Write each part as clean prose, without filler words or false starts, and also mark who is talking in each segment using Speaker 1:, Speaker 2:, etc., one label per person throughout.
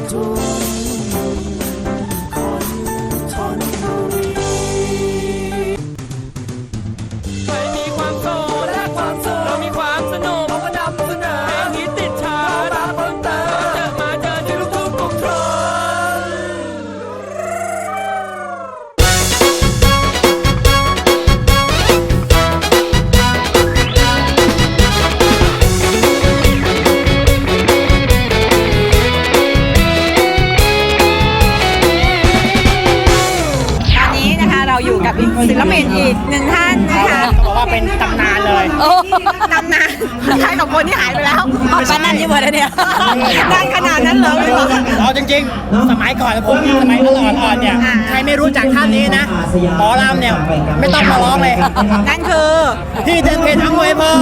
Speaker 1: ศิลปินอีกหนึ่งท่านนะคะ
Speaker 2: บอกว่าเป็นตำนานเลย
Speaker 1: ตำนานใครกับคนที่หายไปแล้วป้านั่นที่เบอร์เนี่ยนานขนาดนั้นเลย
Speaker 2: จริงๆสมัยก่อนผมสมัยอ่อนๆเนี่ยใครไม่รู้จักท่านนี้นะหมอลำเนี่ยไม่ต้องมาร้องเลย
Speaker 1: นั่นคือ
Speaker 2: พี่เดินเพลงทั้งมวยเพลิน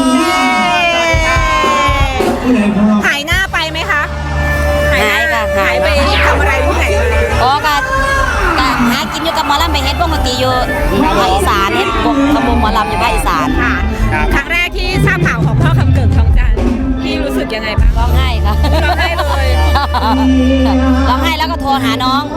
Speaker 1: หายหน้าไปไหมคะ
Speaker 3: หายค่ะ
Speaker 1: หายไปทำอะไรที่ไหน
Speaker 3: ก็หากินอยู่กับหมอลำไปเฮ็ดวงดนตรีอยู่ภาคอีสานเฮ็ดวงขบวนหมอลำอยู่ภาคอีสาน
Speaker 1: ครั้งแรกที่ทราบข่าวของพ่อคำเกิดทองจันทร์พี่รู้สึกยังไงบ้าง
Speaker 3: ร้องไห้ค่ะ
Speaker 1: ร้องไห้เลย
Speaker 3: ร้องไห้แล้วก็โทรหาน้อง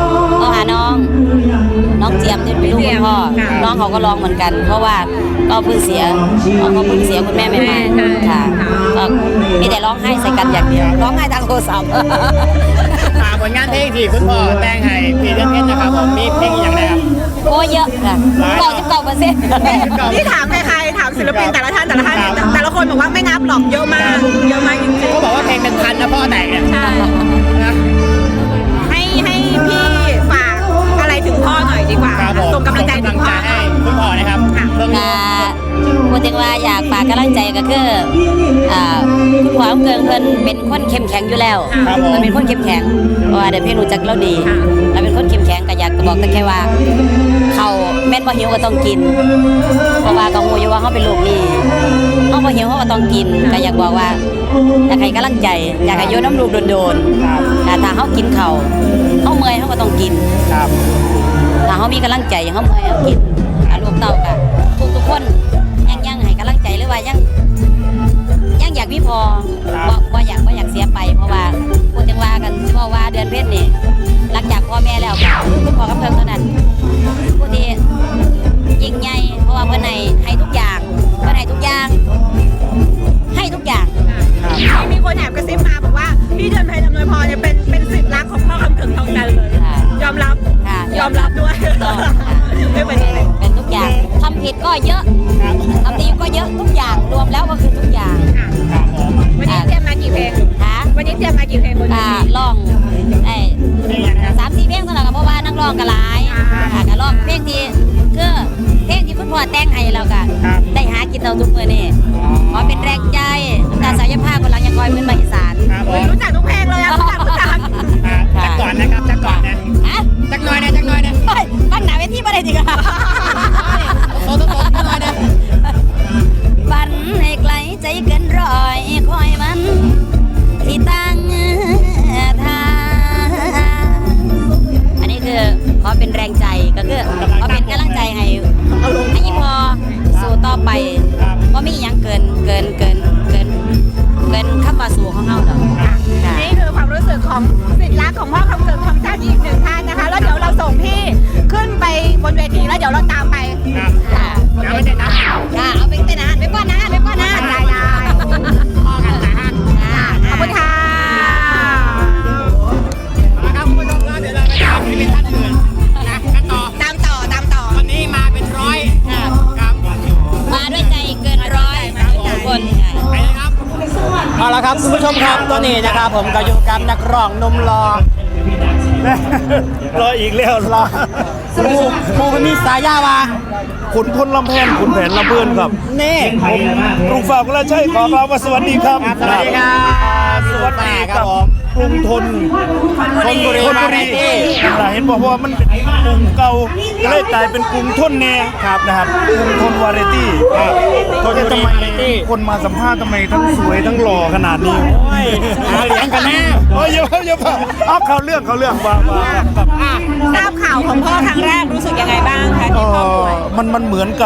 Speaker 3: เจียมที่เป็นลูกคุณพ่อน้องเขาก็ร้องเหมือนกันเพราะว่าก็เพิ่งเสียคุณแม่ไม่มาค่ะก็มีแต่ร้องไห้ใส่กันอย่างเดียวร้องไห้ทางโทรศัพท์
Speaker 2: ผลงานเพลงที่คุณพ่อแต่งให้พี่เดินเพชรนะครับผมมีเพลงอย่างไรครับ
Speaker 3: โอ้เยอะค่ะ
Speaker 1: 99%ที่ถามใครถามศิลปินแต่ละท่านแต่ละคนบอกว่าไม่นับหรอกเยอะมากจริงๆ
Speaker 2: เขาบอกว่าเพลงเป็นพันนะพ่อแต่งเนี่ย
Speaker 1: ใช่ให้พี่ฝากอะไรถึงพ่อหน่อยดีกว่าส่งกำลังใจถึงพ่อ
Speaker 2: ให้คุณพ่อนะครับ
Speaker 3: พูดถึงว่าอยากฝากกำลังใจก็คือคุณพ่อเกิงเพิ่นเป็นคนเข้มแข็งอยู่แล้วมันเป็นคนเข้มแข็งเพราะว่าเดี๋ยวพี่รู้จักเราดีเราเป็นคนเข้มแข็งก็อยากบอกแต่แค่ว่าเขาแม่นบ่หิวก็ต้องกินเพราะว่าเขาอยู่ว่าเขาเป็นลูกนี่เขาบ่หิวเขาก็ต้องกินก็อยากบอกว่าอยากให้กำลังใจอยากให้โยนน้ำลูกโดนๆถ้าเขากินเขาเมื่อยเขาก็ต้องกินถ้าเขามีกำลังใจเขาเมื่อยเขากินลูกเต้ากันทุกคนยังให้กำลังใจหรือว่ายังอยากมีพอว่าอยากเสียไปเพราะว่าพูดถึงว่ากันที่ว่าเดือนเพ็ญนี่หลังจากพ่อแม่แล้วคุณพ่อกับเพิ่งเท่านั้นผู้ที่ยิ่งใหญ่เพราะว่าเพื่อนให้ทุกอย่าง
Speaker 1: มีคนแอบกระซิบมาบอกว่าพี่เดือนเพ็ญอำนวยพรเนี่ยเป็นศิษย์รักของพ่อคำเกิดทองจันทร์เลยยอมรับด้วย
Speaker 3: เป็นทุกอย่างทำผิดก็เยอะทำดีก็เยอะทุกอย่างรวมแล้วก็คือทุกอย่าง
Speaker 1: วันนี้เตรียมมากี่เพลงวันนี้เตรียมมากี่เพลง
Speaker 3: ร้อง3-4 เพลงเท่านั้นเพราะว่านักร้องก็หลายก็ร้องเพลงที่คือเพลงที่คุณพ่อแต่งให้เราก็ได้หากินเราทุกมื้อนี่ขอเป็นแรงใจน้ำตาสายผ้าคนหลังยังคอยเหมือนมาอีสาน
Speaker 1: รู้จักทุกเพลงเลยรู้จัก
Speaker 2: จักก่อนนะครับจักก่อนนะจักหน่อยนะ
Speaker 3: ตั้งหนาเวทีมาได้จริงค่ะ
Speaker 2: โตจักหน่อยนะ
Speaker 3: ฝันให้ไกลใจเกินร้อยคอยมันที่ตั้งทางอันนี้คือขอเป็นแรงใจก็คือขอเป็นกำลังใจให้ยิ่งพอสู้ต่อไปว่ามีอย่างเกินคำว่าสู้ของเราหรอก
Speaker 1: นี่คือความรู้สึกของศิษย์รักของพ่อคำเกิดทองจันทร์อีกหนึ่งท่านนะคะแล้วเดี๋ยวเราส่งพี่ขึ้นไปบนเวทีแล้วเดี๋ยวเราตามไป
Speaker 2: เอาไปเต้นนะ
Speaker 1: เอาไปเต้นนะไปป้อนนะได้
Speaker 2: พ่อกันนะ
Speaker 1: ขอบคุณค่ะ
Speaker 2: ครับคุณผู้ชมครับเดี๋ยวเราไปตามศิลปินท่านอื่นนะกันต่อ
Speaker 1: ตามต่อ
Speaker 2: วันนี้มาเป็นร้อยครับ
Speaker 3: มาด้วยใจเกินร้อยทุกคน
Speaker 2: ไปเลยครับเอาละครับคุณผู้ชมครับตอนนี้นะครับผมก็อยู่กับนักร้องนมรออีกแล้วรอครูมีสายาวา
Speaker 4: ขุนพลลำแพนขุนแผนลำเพื่อนครับ
Speaker 2: นี่
Speaker 4: กรุงฝากและใช่ขอมาสวัสดีครับ
Speaker 2: สวัสดีครับ
Speaker 4: สวัสดีครับกรุงธนบุรีเห็นบอกว่ามันเป็นกรุงเก่าก็เลยกลายเป็นกรุงทนแน่ครับนะครับกรุงทนวาไรตี้ทำไมคนมาสัมภาษณ์ทำไมทั้งสวยทั้งหล่อขนาดนี้
Speaker 2: หาเลี้ยงกันแน่
Speaker 4: อย่าเอาเขาเรื่องว่า
Speaker 1: ทราบข่าวของพ่อครั้งแรกรู้สึกยังไงบ้างคะที่พ่อป่วย
Speaker 4: มันเหมือนกับ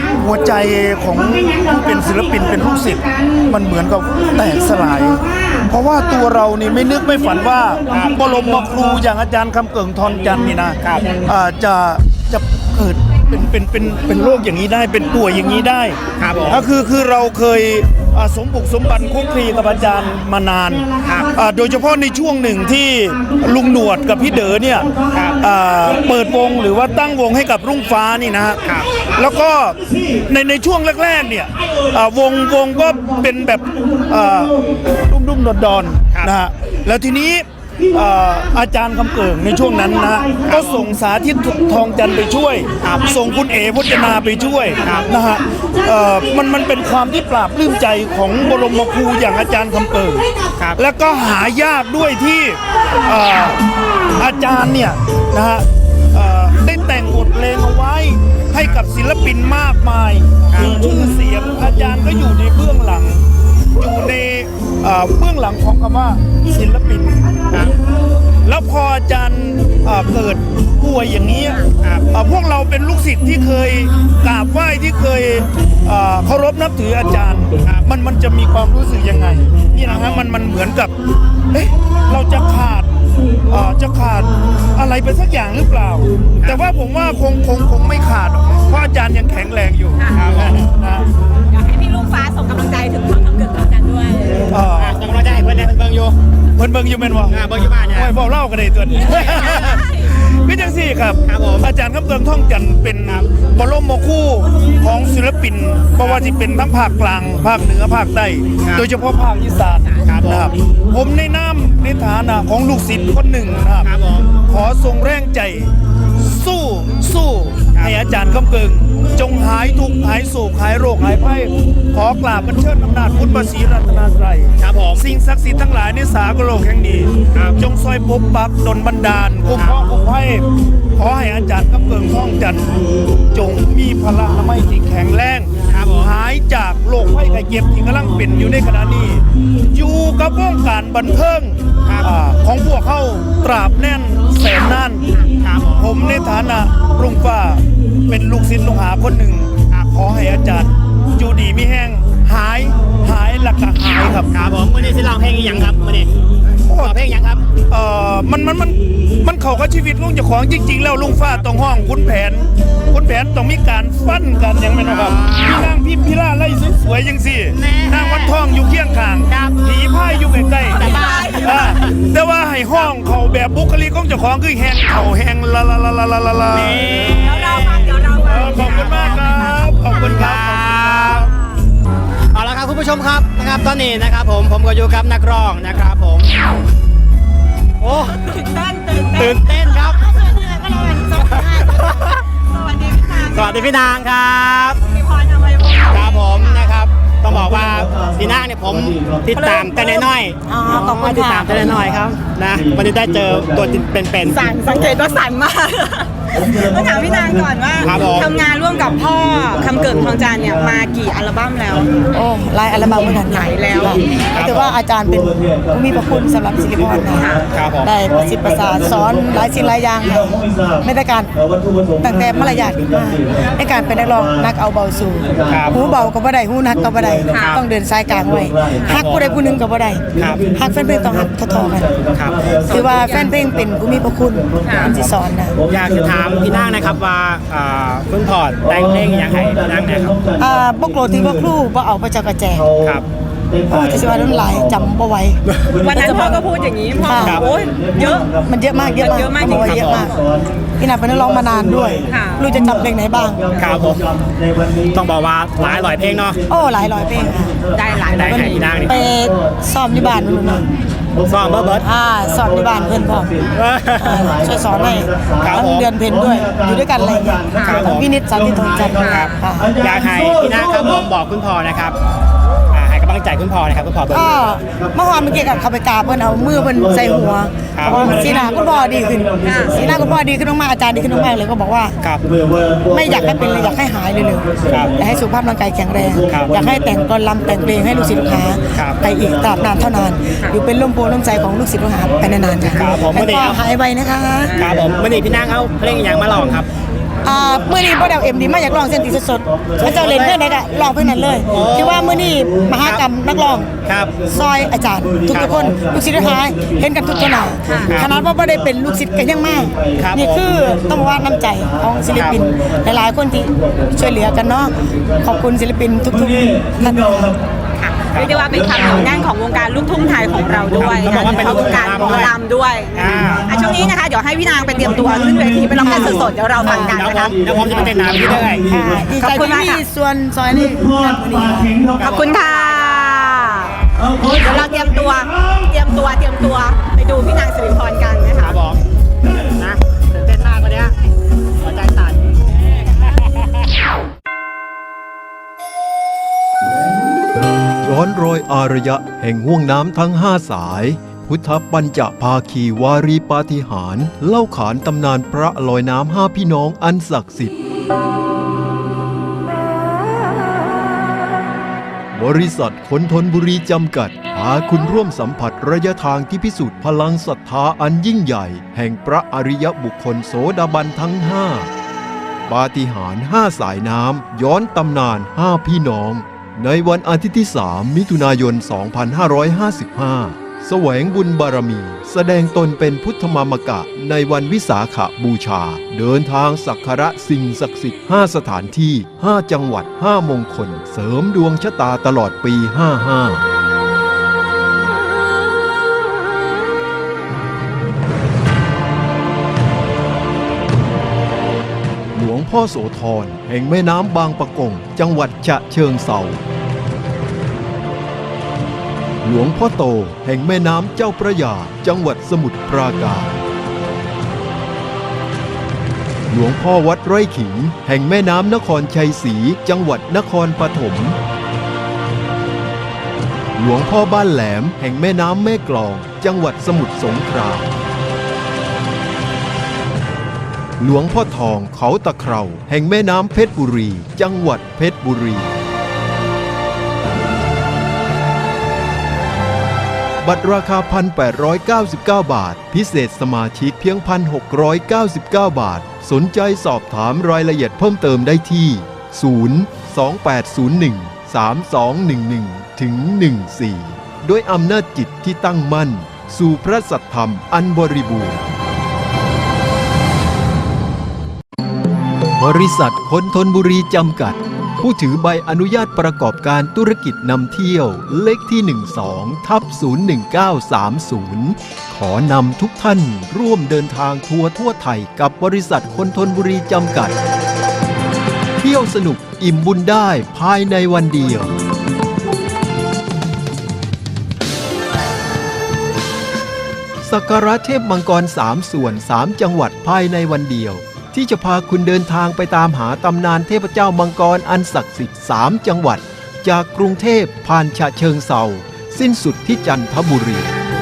Speaker 4: หัวใจของผู้เป็นศิลปินเป็นลูกศิษย์มันเหมือนกับแตกสลาย เพราะว่าตัวเรานี่ไม่นึกไม่ฝันว่าบรมครูอย่างอาจารย์คำเกิ่งทอนจันทร์นี่นะจะเกิดเป็นโรคอย่างนี้ได้เป็นป่วยอย่างนี้ได้
Speaker 2: ครับผม
Speaker 4: คือเราเคยสมบุกสมบันคุกคลีกับอาจารย์มานานโดยเฉพาะในช่วงหนึ่งที่ลุงหนวดกับพี่เด๋อเนี่ยเปิดวงหรือว่าตั้งวงให้กับรุ่งฟ้านี่นะฮะแล้วก็ในช่วงแรกๆเนี่ยวงก็เป็นแบบรุ่มๆดอนๆนะฮะแล้วทีนี้อาจารย์คำเกิ่งในช่วงนั้นนะก็ส่งสาธิตทองจันทร์ไปช่วยส่งคุณเอ๋พจนาไปช่วยนะฮะมันเป็นความที่ปราบปลื้มใจของบรมครูอย่างอาจารย์คำเกิ่งแล้วก็หายากด้วยที่อาจารย์เนี่ยนะฮะได้แต่งบทเพลงเอาไว้ให้กับศิลปินมากมายมีชื่อเสียงอาจารย์ก็อยู่ในเบื้องหลังอยู่ในเบื้องหลังของคำว่าศิลปินแล้วพออาจารย์เกิดป่วยอย่างนี้พวกเราเป็นลูกศิษย์ที่เคยกราบไหว้ที่เคยเคารพนับถืออาจารย์มันจะมีความรู้สึกยังไงนี่นะฮะมันเหมือนกับเราจะขาดอะไรไปสักอย่างหรือเปล่าแต่ว่าผมว่าคงไม่ขาดเพราะอาจารย์ยังแข็งแรงอยู่
Speaker 1: อยากให้พี่ลุงฟ้าส่งกำลังใจถึงพ่อคำเกิ่งทองจันทร์ด้วย
Speaker 2: ส่งกำลังใจให้เพื่อนเบิ่งอยู่
Speaker 4: เบิ่งอยู่แม่นบ่
Speaker 2: เบิ่งอยู่บ้านเนี่ย
Speaker 4: เว้าเล่ากันได้ตัวนี้คือจังซี่ครับอาจารย์คำเกิ่งทองจันทร์เป็นบรมครูของศิลปินเพราะว่าที่เป็นทั้งภาคกลางภาคเหนือภาคใต้โดยเฉพาะภาคอีสานนะครับผมในนามในฐานะของลูกศิษย์คนหนึ่งนะครับขอส่งแรงใจสู้ให้อาจารย์คำเกิ่งจงหายทุกข์หายโศกหายโรคหายภัยขอกราบบัญเชิญอำนาจคุณพระศรีรัตนตรัยสิ่งศักดิ์สิทธิ์ทั้งหลายในสากลโลกแห่งนี้จงซอยปกปักดลบันดาลคุ้มครองคุ้มภัยขอให้อาจารย์คำเกิ่งทองจันทร์จงมีพละนามัยที่แข็งแรงหายจากโรคภัยไข้เจ็บที่กำลังเป็นอยู่ในขณะนี้อยู่กับวงการบันเทิงของพวกเขาตราบแน่นแสนนานผมในฐานะรุ่งฟ้าเป็นลูกศิษย์ลูกหาคนหนึ่งขอให้อาจารย์อยู่ดีไม่แห้งหายหลักหายครับ
Speaker 2: ผมวันนี้สิร้องเพลงอีหยังครับวันนี้ร้องเพลงอีหยังครับ
Speaker 4: มันเข้ากับชีวิตลุงเจ้าของจริงๆแล้วลุงฟ้าต้องห้องคุณแผนต้องมีการฟันกันอย่างแม่นครับพี่นางพิล่าไล่สวยๆจังสินางวันทองอยู่เคียงข้างผีพายอยู่ใกล้ๆแต่ว่าให้ห้องเขาแบบบุคลิกของเจ้าของคือแหงเข่าแหงละขอบคุณมากครับขอบคุณครับ
Speaker 2: เอาละครับคุณผู้ชมครับนะครับตอนนี้นะครับผมก็อยู่กับนักร้องนะครับผมโอ้ตื่นเต้นครับสวัสดีพี่นางครับครับผมนะครับต้องบอกว่าพี่นางเนี่ยผมติดตามแต่น้อยๆต้องติดตามแต่น้อยๆครับนะวันนี้ได้เจอตัวเป็น
Speaker 1: สังเกตว่าสั่นมากต้องถามพี่นางก่อนว่าทำงานร่วมกับพ่อคำเกิ่งทองจันทร์เนี่ยมากี่อัลบั้มแล้ว
Speaker 5: โอ้หลายอัลบั้มเหมือนกัน
Speaker 1: หลายแล้ว
Speaker 5: แต่ว่าอาจารย์เป็นผู้มีพระคุณสำหรับศิริพรนะได้ประสิทธิ์ประสาทสอนหลายสิ่งหลายอย่างไม่ได้การตั้งแต่มารยาทขึ้นมาในการเป็นนักร้องนักเอาเบาสู่หูเบาก็บ่ได้หูนักก็บ่ได้ต้องเดินสายกลางไว้ฮักผู้ใดผู้หนึ่งก็บ่ได้ฮักแฟนเพลงต้องฮักทอๆกันคือว่าแฟนเพลงเป็นผู้มีพระคุณที่สอนนะ
Speaker 2: อยากจะถามพี่นางนะครับว่าคุณพอดแต่งเพลงอย่างไรพี่นางนะครับ
Speaker 5: บกโกรธที่ว่าครูว่าเอาประจักษ์กระแจ
Speaker 2: ครับ
Speaker 5: จะสิว่าน้ำลายจำบ่ไหว
Speaker 1: วันนั้นพ่อก็พูดอย่างนี้พ่อโอ้ยเยอะ
Speaker 5: มันเยอะมาก
Speaker 1: เยอะมากจริงๆ
Speaker 5: เยอะมากพี่นาเป็นนักร้องมานานด้วยรู้จะจำเพลงไหนบ้าง
Speaker 2: ครับผมต้องบอกว่าหลายร้อยเพลงเนาะ
Speaker 5: โอ้หลายร้อยเพลง
Speaker 1: ได้หลาย
Speaker 2: พี่นางนี่
Speaker 5: ไปซ้อมที่บ้านนู่น
Speaker 2: ซ้อมเบิร์ด
Speaker 5: ซ้อมที่บ้านเพื่อนพ่อช่วยสอนให้ทั้งเดือนเพ็ญด้วยอยู่ด้วยกันอะไรอย่างเงี้ยวินิจสันติทองจันทร์
Speaker 2: อยากให้พี่นางครับผมบอกคุณพ่อนะครับให้กำลังใจคุณพ่อนะครับคุณพ่อเบิร์ด
Speaker 5: เมื่อวานเมื่อกี้กับเขาไปกราบเพื่อนเอามือเพื่อนใส่หัวสีหน้าคุณพ่อดีขึ้นสีหน้าคุณพ่อดีขึ้นมากอาจารย์ดีขึ้นมากเลยก็บอกว่าไม่อยากให้เป็นเลยอยากให้หายเลยอยากให้สุขภาพร่างกายแข็งแรงอยากให้แต่งกลอนรำแต่งเพลงให้ลูกศิษย์ลูกหาไปอีกตราบนานเท่านานอยู่เป็นร่มโพล่มใจของลูกศิษย์ลูกหาไปนานๆค่ะแล้วก็หายไวนะคะ
Speaker 2: ครับผมวันนี้พี่นางเอาเพลงอย่างมาลองครับ
Speaker 5: มื้อนี้บ่ได้เอา MD มาอยากร้องเส้นตีสดๆเขาเจ้าเล่นเพลงใดก็ร้องเพลงนั้นเลยที่ว่ามื้อนี้มหากรรมนักร้อง
Speaker 2: ครับ
Speaker 5: ซอยอาจารย์ทุกๆคนลูกศิษย์ลูกหาเห็นกันทุกตัวหน้าขนาดว่าบ่ได้เป็นลูกศิษย์กันยังมาก
Speaker 2: ครับ
Speaker 5: นี่คือต้องบอกว่าน้ำใจของศิลปินหลายๆคนที่ช่วยเหลือกันเนาะขอบคุณศิลปินทุกๆท่านค่ะ
Speaker 1: เรียกได้ว่าเป็นความเหนียวแน่นของวงการลูกทุ่งไทยของเราด้วย
Speaker 2: ต้องบอกว่าเป็น
Speaker 1: วงการหมอลำด้วย ช่วงนี้นะคะเดี๋ยวให้พี่นางไปเตรียมตัวขึ้นเวทีไปร้องกันสดๆเดี๋ยวเราฟังกันนะคะ
Speaker 2: เดี๋ยวผมจะไปเต้นน้ำที่ด้วย
Speaker 5: ดีใจที่มีส่วนซอยนี้
Speaker 1: ขอบคุณค่ะเดี๋ยวเราเตรียมตัวไปดูพี่นางสิริพรกันนะ
Speaker 2: ค
Speaker 1: คะ
Speaker 2: รับผมนะตื่นเต้นมากวันนี้หัวใจสั่น
Speaker 6: ย้อนรอยอารยะแห่งห่วงน้ำทั้ง5 สาย พุทธปัญจภาคีวารีปาฏิหาริย์เล่าขานตำนานพระลอยน้ำ5 พี่น้องอันศักดิ์สิทธิ์บริษัทคนทนบุรีจำกัดพาคุณร่วมสัมผัสระยะทางที่พิสูจน์พลังศรัทธาอันยิ่งใหญ่แห่งพระอริยบุคคลโสดาบันทั้ง5ปาฏิหาริย์5 สายน้ำย้อนตำนาน5 พี่น้องในวันอาทิตย์ที่ 3 มิถุนายน 2555 แสวงบุญบารมีแสดงตนเป็นพุทธมามกะในวันวิสาขบูชาเดินทางสักการะสิ่งศักดิ์สิทธิ์5 สถานที่5 จังหวัด5 มงคลเสริมดวงชะตาตลอดปี 55หลวงพ่อโสธรแห่งแม่น้ำบางปะกงจังหวัดฉะเชิงเทราหลวงพ่อโตแห่งแม่น้ำเจ้าพระยาจังหวัดสมุทรปราการหลวงพ่อวัดไร่ขิงแห่งแม่น้ำนครชัยศรีจังหวัดนครปฐมหลวงพ่อบ้านแหลมแห่งแม่น้ำแม่กลองจังหวัดสมุทรสงครามหลวงพ่อทองเขาตะเคราแห่งแม่น้ำเพชรบุรีจังหวัดเพชรบุรีบัตรราคา 1,899 บาทพิเศษสมาชิกเพียง 1,699 บาทสนใจสอบถามรายละเอียดเพิ่มเติมได้ที่ 028013211ถึง14ด้วยอำนาจจิตที่ตั้งมั่นสู่พระสัทธรรมอันบริบูรณ์บริษัทคนทนบุรีจำกัดผู้ถือใบอนุญาตประกอบการธุรกิจนำเที่ยวเลขที่ 12/01930 ขอนำทุกท่านร่วมเดินทางทัวร์ทั่วไทยกับบริษัทคนทนบุรีจำกัดเที่ยวสนุกอิ่มบุญได้ภายในวันเดียวสักการะเทพมังกร3 ส่วน 3 จังหวัดภายในวันเดียวที่จะพาคุณเดินทางไปตามหาตำนานเทพเจ้ามังกรอันศักดิ์สิทธิ์3 จังหวัดจากกรุงเทพผ่านฉะเชิงเทราสิ้นสุดที่จันทบุรี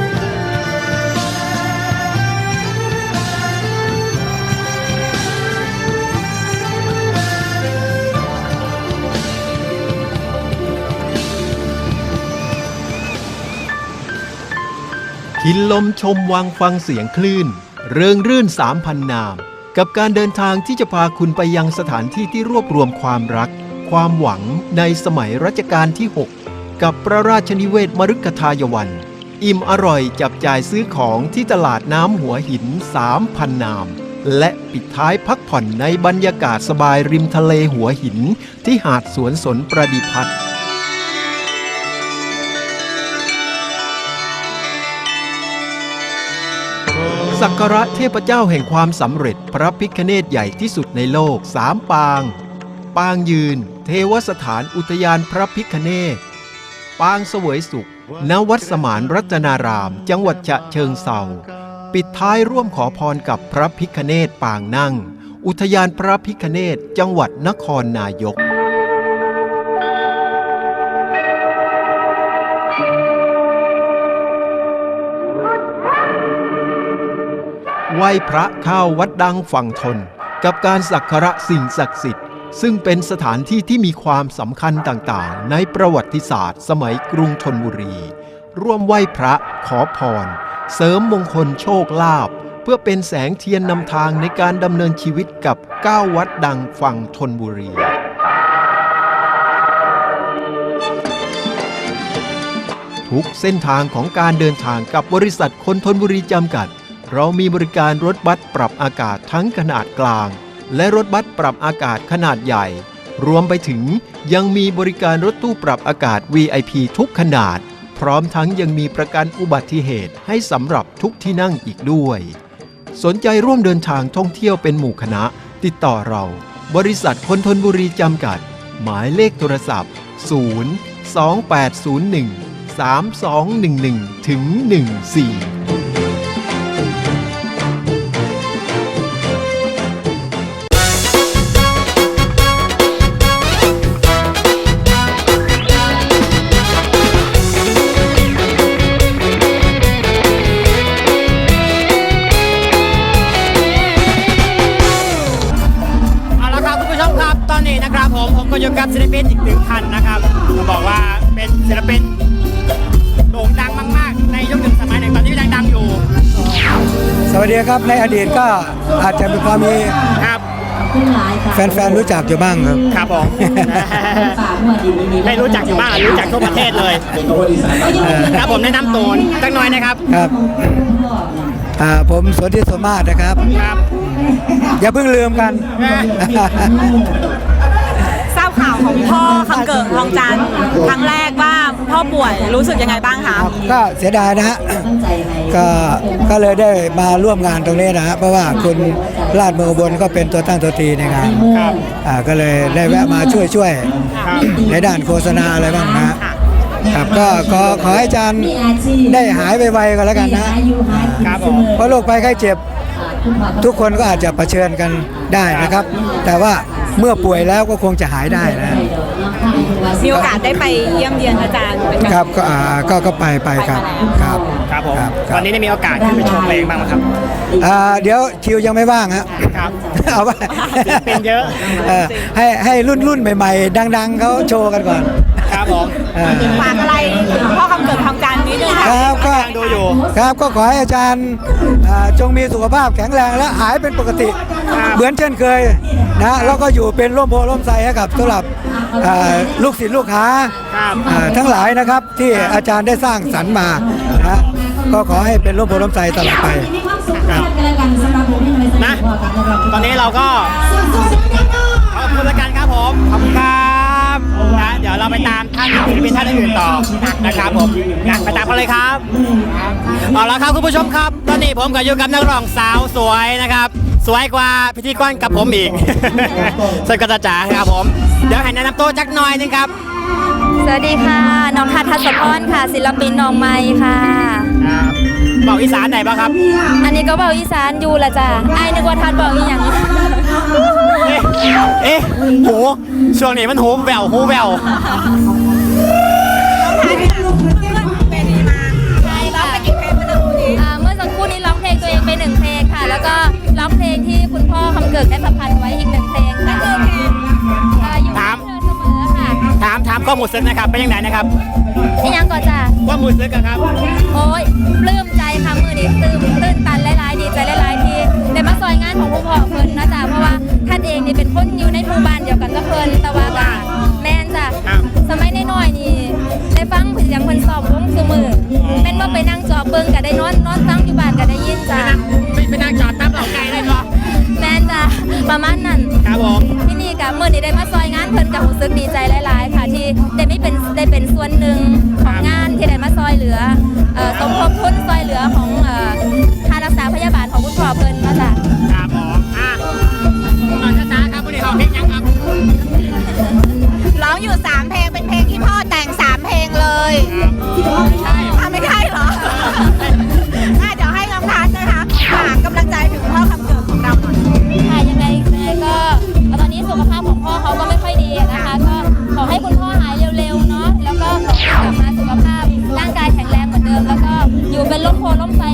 Speaker 6: กินลมชมวังฟังเสียงคลื่นเริงรื่น 3,000 นามกับการเดินทางที่จะพาคุณไปยังสถานที่ที่รวบรวมความรักความหวังในสมัยรัชกาลที่ 6 กับพระราชนิเวศมฤคทายวัน อิ่มอร่อยจับจ่ายซื้อของที่ตลาดน้ำหัวหิน 3,000 นามและปิดท้ายพักผ่อนในบรรยากาศสบายริมทะเลหัวหินที่หาดสวนสนประดิพัฒน์สักการะเทพเจ้าแห่งความสำเร็จพระพิฆเนศใหญ่ที่สุดในโลก3 ปางปางยืนเทวสถานอุทยานพระพิฆเนศปางเสวยสุขณวัดสมานรัตนารามจังหวัดฉะเชิงเทราปิดท้ายร่วมขอพรกับพระพิฆเนศปางนั่งอุทยานพระพิฆเนศจังหวัดนครนายกไหว้พระเข้าวัดดังฝั่งทนกับการสักการะสิ่งศักดิ์สิทธิ์ซึ่งเป็นสถานที่ที่มีความสำคัญต่างๆในประวัติศาสตร์สมัยกรุงธนบุรีร่วมไหว้พระขอพรเสริมมงคลโชคลาภเพื่อเป็นแสงเทียนนำทางในการดำเนินชีวิตกับ 9 วัดดังฝั่งธนบุรี ทุกเส้นทางของการเดินทางกับบริษัทคนธนบุรีจำกัดเรามีบริการรถบัสปรับอากาศทั้งขนาดกลางและรถบัสปรับอากาศขนาดใหญ่รวมไปถึงยังมีบริการรถตู้ปรับอากาศ VIP ทุกขนาดพร้อมทั้งยังมีประกันอุบัติเหตุให้สำหรับทุกที่นั่งอีกด้วยสนใจร่วมเดินทางท่องเที่ยวเป็นหมู่คณะติดต่อเราบริษัทคนธนบุรีจำกัดหมายเลขโทรศัพท์ 028013211-14
Speaker 2: ผมก็อยู่กับศิลปินอีก1 ท่านนะครับต้องบอกว่าเป็นศิลปินโด่งดังมากๆในยุคหนึ่งสมัยหนึ่งตอนนี้ยังดังอยู่
Speaker 7: สวัสดีครับในอดีตก็อาจจะมีความมี
Speaker 2: ครับ
Speaker 7: แฟนๆรู้จักอยู่บ้างครับ
Speaker 2: ครับผม ไม่รู้จักอยู่บ้างรู้จักทั่วประเทศเลยครับผมแนะนำตัวสักหน่อยนะครับ
Speaker 7: ครับผมสนธิสมมาตรนะครับ
Speaker 2: ครับ
Speaker 7: อย่าเพิ่งลืมกัน
Speaker 1: ทราบข่าวของพ่อคำเกิดทองจันทร์ครั้งแรกว่าพ่อป่วยรู้สึกยังไงบ้างคะ
Speaker 7: ก็เสียดายนะฮะก็เลยได้มาร่วมงานตรงนี้นะฮะเพราะว่าคุณราชเมืองอุบลก็เป็นตัวตั้งตัวตีในงานก็เลยได้แวะมาช่วยในด้านโฆษณาอะไรบ้างนะครับก็ขอให้อาจารย์ได้หายไวๆกันแล้วกันนะครับเพราะโรคภัยไข้เจ็บทุกคนก็อาจจะเผชิญกันได้นะครับ แต่ว่าเมื่อป่วยแล้วก็คงจะหายได้นะ
Speaker 1: มีโอกาสได้ไปเยี่ยมเยียนอาจารย์เป็นการ
Speaker 7: ครับก็ไปครับครับ
Speaker 2: ครับผมวันนี้ได้มีโอกาสขึ้นไปชมเพลงบ้างไหมครับ
Speaker 7: เดี๋ยวคิวยังไม่ว่างฮะ
Speaker 2: ครับ
Speaker 7: เอาไป
Speaker 2: เป็นเยอะ
Speaker 7: ให้รุ่นใหม่ๆดังๆเขาโชว์กันก่อน
Speaker 2: ครับผม
Speaker 1: ฝากอะไรถึงพ่อคำเกิดทองจันทร์นิดนึง
Speaker 7: ค
Speaker 1: ค่ะ
Speaker 7: รับก็
Speaker 2: ดูอยู่
Speaker 7: ครับก็ขอให้อาจารย์จงมีสุขภาพแข็งแรงและหายเป็นปกติเหมือนเช่นเคยนะแล้วก็อยู่เป็นร่มโพล่มไทรให้กับสำหรับลูกศิษย์ลูกหาทั้งหลายนะครับที่อาจารย์ได้สร้างสรรค์มานะก็ขอให้เป็นร่มโพล่มไทรตลอดไปครับ
Speaker 2: นะตอนนี้เราก็ขอบคุณละกันครับผมขอบคุณครับนะเดี๋ยวเราไปตามท่านศิลปินท่านอื่นต่อนะครับผมนะไปตามกันเลยครับเอาละครับคุณผู้ชมครับตอนนี้ผมก็อยู่กับนักร้องสาวสวยนะครับสวยกว่าพิธีกรกับผมอีก สวยกระจ๋าครับผมเดี๋ยวให้แนะนำตัวจักหน่อยนึงครับ
Speaker 3: สวัสดีค่ะน้องทัศน์ทัศพรค่ะศิลปินน้องใหม่ค่ะ
Speaker 2: บอกอีสานไหนบ้างครับ
Speaker 3: อันนี้ก็เบาอีสานอยู่ละจ้ะไอ้นึกว่าทัดบอกอีหยัง
Speaker 2: เอ๊ะหูช่วงนี้มันหูแววหูแวว
Speaker 3: ใช่ค่ะเมื่อสักครู่นี้ร้องเพลงตัวเองไป1 เพลงค่ะ แล้วก็ร้องเพลงที่คุณพ่อคำเกิดได้ประพันธ์ไว้อีก1 เพลงค่ะอยู่กับเธอเสมอค่ะ
Speaker 2: ถามข้อมูลซึ้งนะครับเป็นยังไงนะครับ
Speaker 3: ที่ยังก่อนจ้ะ
Speaker 2: ข้อมูลซึ้งครับ
Speaker 3: โอ้ยปลื้มใจค่ะมือนี้ตื่นตันหลายๆดีใจหลายๆที่ได้มาซอยงานของคุณพ่อเพิ่นนะจ๊ะเพราะว่าท่านเองนี่เป็นคนอยู่ในหมู่บ้านเดียวกันกับเพิ่นแต่ว่าก็แม่นจ้ะสมัยน้อยๆนี่ได้ฟังเพิ่นเสียงเพิ่นสอบวงซุมือแม่นว่าไปนั่งจอเบิ่งก็ได้นอนฟังอยู่บ้านก็ได้ยินจ้ะ
Speaker 2: ไม่นั่งจอดตั้มเหล่าไก่เลยเหรอ
Speaker 3: แม่นจ้ะประมาณนั้น
Speaker 2: ครับผม
Speaker 3: ที่นี่กับมื้อนี้ได้มาซอยงานเพิ่นก็รู้สึกดีใจหลายๆค่ะที่ได้เป็นส่วนหนึ่งของงานที่ได้มาซอยเหลือสมทบทุนซอยเหลือของค่ารักษาพยาบาลของคุณพ่อเพิ่นนะจ๊ะ
Speaker 2: ครับผมช้าๆครับวันนี้ขอเพลงยังครับ
Speaker 1: ร้องอยู่3 เพลงเป็นเพลงที่พ่อแต่ง3 เพลงเลยไม่ใช่เหรอเดี๋ยวให้น้องทัศน์นะคะฝากกำลังใจถึงพ่อคำเกิดของเราหน่อย
Speaker 3: ค่ะยังไงก็ตอนนี้สุขภาพของพ่อเขาก็ไม่ค่อยดีนะคะก็ขอให้คุณพ่อหายเร็วๆเนาะแล้วก็ขอให้กลับมาสุขภาพร่างกายแข็งแรงเหมือนเดิมแล้วก็อยู่เป็นร่มโพล่มไทร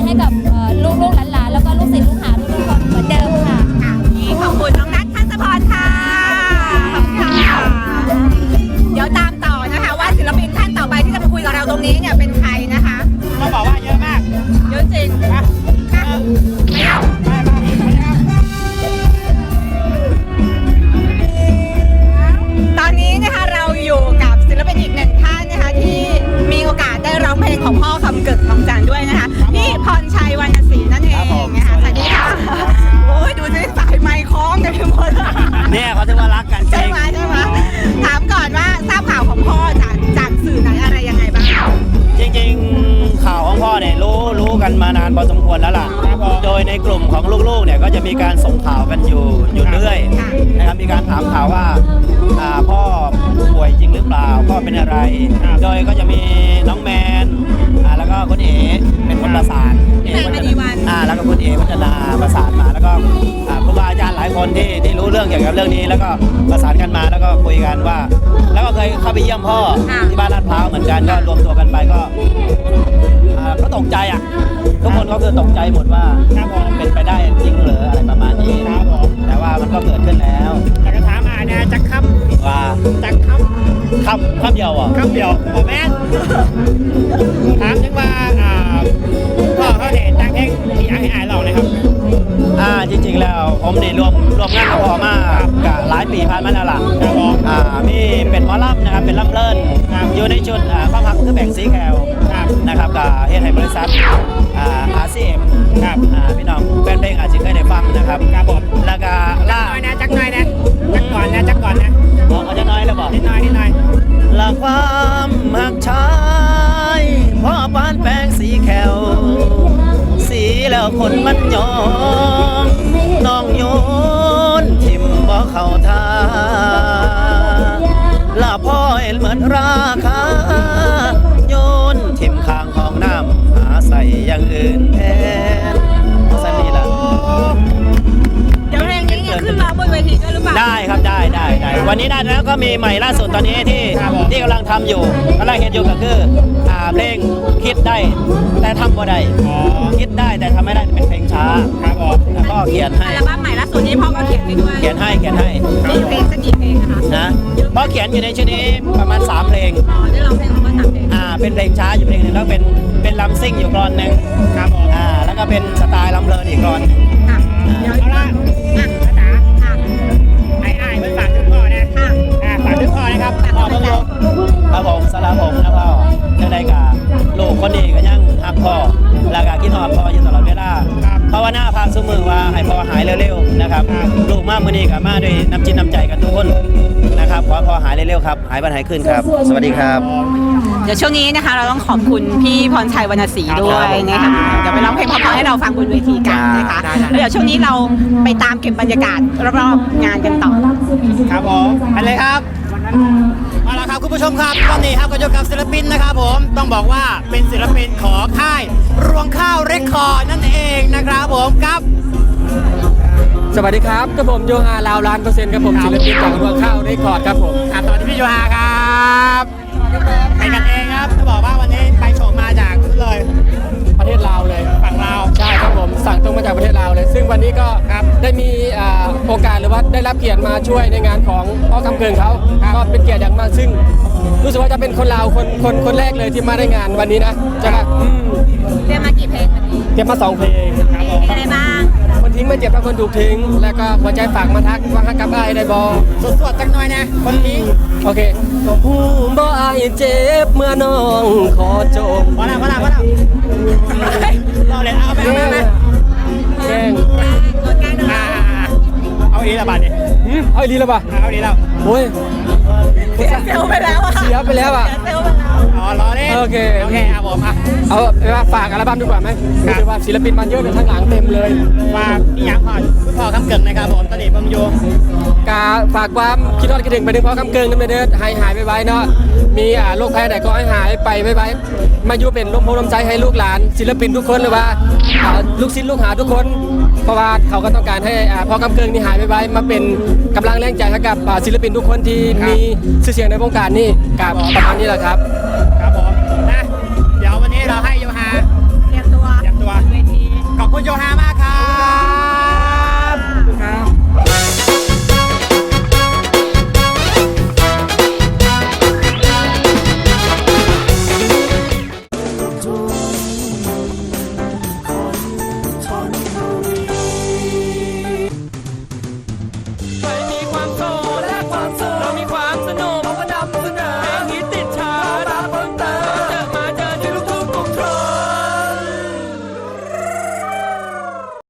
Speaker 8: ในกลุ่มของลูกๆเนี่ยก็จะมีการส่งข่าวกันอยู่เรื่อยนะครับมีการถามข่าวว่าพ่อป่วยจริงหรือเปล่าพ่อเป็นอะไรโดยก็จะมีน้องแมนแล้วก็คุณเอ๋เป็นคนประสาน
Speaker 1: แมนมณีวัน
Speaker 8: แล้วก็คุณเอ๋วัฒนาประสานมาแล้วก็ครูบาอาจารย์หลายคนที่รู้เรื่องเกี่ยวกับเรื่องนี้ แล้วก็ประสานกันมาแล้วก็คุยกันว่า แล้วก็เคยเข้าไปเยี่ยมพ่อที่บ้านลาดพร้าวเหมือนกันก็รวมตัวกันไปก็ตกใจอ่ะทุกคนก็คือตกใจหมดว่าเป็นไปได้จริงหรืออะไรประมาณนี้แต่ว่ามันก็เกิดขึ้นแล้ว
Speaker 2: แต่ก็ถามเนี่ยจักคำ
Speaker 8: ว่า
Speaker 2: จักคำ
Speaker 8: เดียวอ่ะ
Speaker 2: คำเดียวบอกแม่นถามถึงว่าพ่อเขาเนี่ยจักเพลงที่อยากให้อายลองเลยครับ
Speaker 8: จริงๆแล้วผมนี่รวมงานกับพ่อมากับหลายปีผ่านมาแล้วล่ะมีเป็นหมอลำนะครับเป็นลำเลิศอยู่ในชุดความหักคือแบ่งสีแคลนะครับกับเฮ็ดให้บริษัทRCM ครับพี่น้องแฟนเพลงอาจจะเคยได้ฟังนะครับครับผมแล้วก็
Speaker 2: จักหน่อยนะจักก่อนนะ
Speaker 8: เอาจะน้อยแล้วบอก
Speaker 2: นิดหน่อย
Speaker 8: ละความหักชายพ่อปานแปลงสีแคลสีแล้วคนมันยอมน้องโยนทิมบ่เข้าท่าละพ่อเห็นเหมือนราคาโยนทิมข้างของน้ำหาใส่อย่างอื่นแทนสันนี่ละ
Speaker 1: เดี๋ยวเพลงนี้เนี่ยขึ้นมาบนเวทีด้วยหรือเปล่า
Speaker 8: ได้ครับได้วันนี้ได้แล้วก็มีใหม่ล่าสุดตอนนี้ที่กำลังทำอยู่กำลังเห็นอยู่ก็คือเพลงคิดได้แต่ทำบ่ได้คิดได้แต่ทำไม่ได้เป็นเพลงช้าครับผมแล้วก็เขียนให้
Speaker 1: อัลบั้มใหม่ล่าสุดนี้พ่อก็เขียนไปด้วย
Speaker 8: เขียนให้
Speaker 1: มีเพลงสักกี่เพลงนะคะ
Speaker 8: นะเพราะเขียนอยู่ในชุดนี้ประมาณ3เพลง
Speaker 1: ได้ร้องเพลงของพ่อ3เพลง
Speaker 8: เป็นเพลงช้าอยู่เพลงหนึ่งแล้วเป็นลำซิ่งอยู่กลอนหนึ่งครับผมแล้วก็เป็นสไตล์ลำเพลินอีกกลอน
Speaker 2: เดี๋ยวเอาละจ๋าไอ้มันฝากถึงพ่อนะฝากถึงพ่อนะครับพ่อต้องรู้
Speaker 8: ครับผมสลาผมนะพ่อได้กับลูกคนนี้ก็ยังหักพ่อแล้วก็คิดฮอดพ่ออยู่ตลอดเวลาภาวนาพาสู้มือว่าให้พ่อหายเร็วๆนะครับลูกมากมือนี้กับมาด้วยน้ำจิตน้ำใจกันทุกคนนะครับขอพ่อหายเร็วๆครับหายบันหายขึ้นครับสวัสดีครับ
Speaker 1: เดี๋ยวช่วงนี้นะคะเราต้องขอบคุณพี่พรชัยวรรณศรีด้วยนะคะเดี๋ยวไปร้องเพลงเพราะๆให้เราฟังบนเวทีกันนะคะแล้วเดี๋ยวช่วงนี้เราไปตามเก็บบรรยากาศรอบๆงานกันต่อ
Speaker 2: ครับผมไปเลยครับเอาละครับคุณผู้ชมครับตอนนี้ครับก็อยู่กับศิลปินนะครับผมต้องบอกว่าเป็นศิลปินของค่ายรวงข้าวเรคคอร์ดนั่นเองนะครับผมครับ
Speaker 9: สวัสดีครับกับผมโยฮาลาวล้าน%ครับผมศิลปินจากรวงข้าวเรคคอร์ดครับผม
Speaker 2: สวัสดีพี่โยฮาครับไปกันเองครับจะบอกว่าวันนี้ไปโฉมมาจากเลย
Speaker 9: ประเทศลาวเลย
Speaker 2: ฝั่งลาว
Speaker 9: ใช่ครับผมสั่งตรงมาจากประเทศลาวเลยซึ่งวันนี้ก็ได้มีโอกาสหรือว่าได้รับเกียรติมาช่วยในงานของพ่อคำเกิงเขาก็เป็นเกียรติอย่างมากซึ่งรู้สึกว่าจะเป็นคนลาวคนแรกเลยที่มาได้งานวันนี้นะใช่ไหม
Speaker 1: เตรียมมากี่เพลงวันนี้
Speaker 9: เตรียมมา2เพลง
Speaker 1: ครับผมอะไรบ้าง
Speaker 9: คนทิ้งไม่เจ็บถ้าคนถูกทิ้งแล้วก็หัวใจฝากมาทักว่าฮักกับอ้ายได้บ่
Speaker 2: สดๆจังหน่อยนะคนทิ้ง
Speaker 9: โอเคหูบ่อ้ายเจ็บเมื่อน้องขอจบ
Speaker 2: พอแล้วเราเลยเอาไป
Speaker 9: แกง
Speaker 2: เอาอีละบาทเนี่ย
Speaker 9: เอาอีละบาท
Speaker 2: เอาอีแล้ว
Speaker 9: โอ้ย
Speaker 1: เสียเซลไปแล้วอ่ะ
Speaker 9: เสียไปแล้วอ่ะ
Speaker 2: รอเล่นโอเคครับผม
Speaker 9: เอาไปว่าฝากอัลบั้มดีกว่าไหมคือว่าศิลปินมันเยอะเลยทั้งหลังเต็มเลย
Speaker 2: ฝากอยากพ่อคำเกิงนะครับผมตอนนี้ผมอยู่
Speaker 9: กาฝากความคิดทอดคิดถึงไปถึงพ่อคำเกิงนั่นเด้อหายไปไว้เนาะมีโรคภัยไหนก็ให้หายไปไว้มาอยู่เป็นลมโพลมใจให้ลูกหลานศิลปินทุกคนหรือว่าลูกศิษย์ลูกหาทุกคนเพราะว่าเขาก็ต้องการให้พ่อคำเกิงนี่หายไปไว้มาเป็นกำลังแรงใจให้กับศิลปินทุกคนที่มีชื่อเสียงในวงการนี่กับประมาณนี้แหละครับ
Speaker 2: ครับผม